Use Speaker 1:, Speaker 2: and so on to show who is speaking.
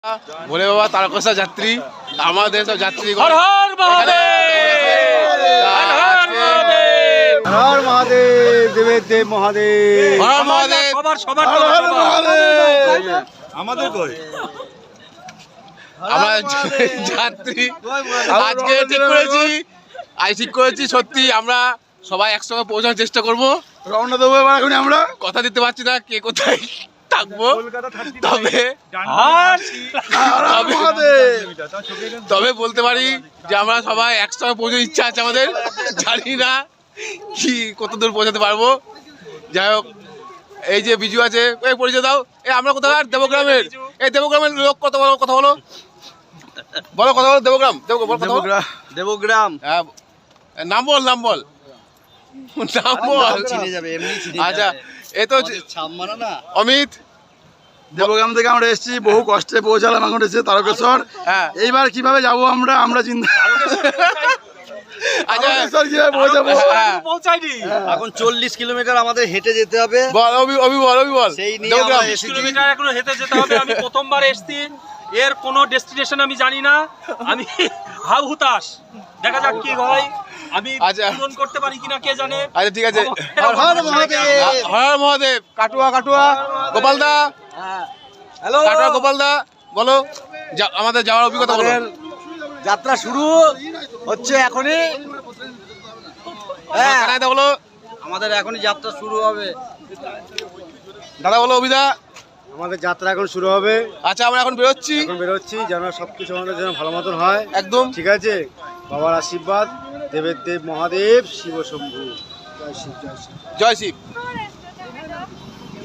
Speaker 1: ভোলে বাবা তারকেশ্বর যাত্রী, আমাদের সব যাত্রী
Speaker 2: হর হর মহাদেব,
Speaker 3: হর হর মহাদেব, দেবের দেব মহাদেব,
Speaker 1: হর মহাদেব।
Speaker 2: সবার
Speaker 3: আমাদের কই
Speaker 1: আমরা যাত্রী আজকে ঠিক করেছি সত্যি আমরা সবাই একসঙ্গে পৌঁছানোর চেষ্টা করব।
Speaker 3: রওনা দেবো এবার এখন আমরা।
Speaker 1: কথা দিতে পারছি না কে কোথায় থাকবো, তবে তবে বলতে পারি যে আমরা সবাই একসঙ্গে পৌঁছার ইচ্ছা আছে আমাদের। জানি না কি কত দূর পৌঁছাতে পারবো। যাই হোক, এই যে বিজু আছে, এই পরিচয় দাও। এই আমরা কোথাকার? দেবগ্রামের। এই দেবগ্রামের লোক কথা বলো, কথা বলো, বলো কথা বলো। দেবগ্রাম,
Speaker 3: দেবগ্রাম।
Speaker 1: হ্যাঁ, নাম বল, নাম বল, নাম বল।
Speaker 3: চিনে যাবে, এমনি চিনে
Speaker 1: আচ্ছা, এ তো অমিত।
Speaker 3: দেবগ্রাম থেকে আমরা এসেছি, বহু কষ্টে পৌঁছালাম এখন এসে তারকেশ্বর।
Speaker 1: হ্যাঁ,
Speaker 3: এইবার কিভাবে যাবো আমরা চিন্তা।
Speaker 1: আচ্ছা,
Speaker 3: তারকেশ্বর কিভাবে পৌঁছাবো?
Speaker 2: পৌঁছায়নি
Speaker 4: এখন 40 কিলোমিটার আমাদের হেঁটে যেতে হবে।
Speaker 1: বল অভি বল।
Speaker 4: সেই নিয়ে
Speaker 1: দেবগ্রাম।
Speaker 4: আমরা এসেছি।
Speaker 2: কিলোমিটার এখনো হেঁটে যেতে হবে। আমি প্রথমবার এসেছি, এর কোনো ডেস্টিনেশন আমি জানি না। আমি হাউ হুতাশ, দেখা যাক কি হয়। আমি
Speaker 1: আচ্ছা।
Speaker 2: পূরণ করতে পারি কিনা কে জানে।
Speaker 1: আচ্ছা, ঠিক আছে।
Speaker 3: হর হর মহাদেব।
Speaker 1: হর মহাদেব। কাটুয়া গোপালদা,
Speaker 4: হ্যালো,
Speaker 1: কাটুয়া গোপালদা, বলো আমাদের যাওয়ার অভিজ্ঞতা বলো।
Speaker 4: যাত্রা শুরু হচ্ছে এখনই। হ্যাঁ,
Speaker 1: কানাইদা বলো,
Speaker 4: আমাদের এখনই যাত্রা শুরু হবে।
Speaker 1: দাদা বলো, অভিদা।
Speaker 3: আমাদের যাত্রা এখন শুরু হবে।
Speaker 1: আচ্ছা, আমরা এখন বেরোচ্ছি।
Speaker 3: এখন বেরোচ্ছি যেন সবকিছু আমাদের যেন ভালো মতন হয়।
Speaker 1: একদম
Speaker 3: ঠিক আছে, বাবার আশীর্বাদ, দেবের দেব মহাদেব, শিব শম্ভু। জয় শিব, জয় শিব।
Speaker 1: জয় শিব।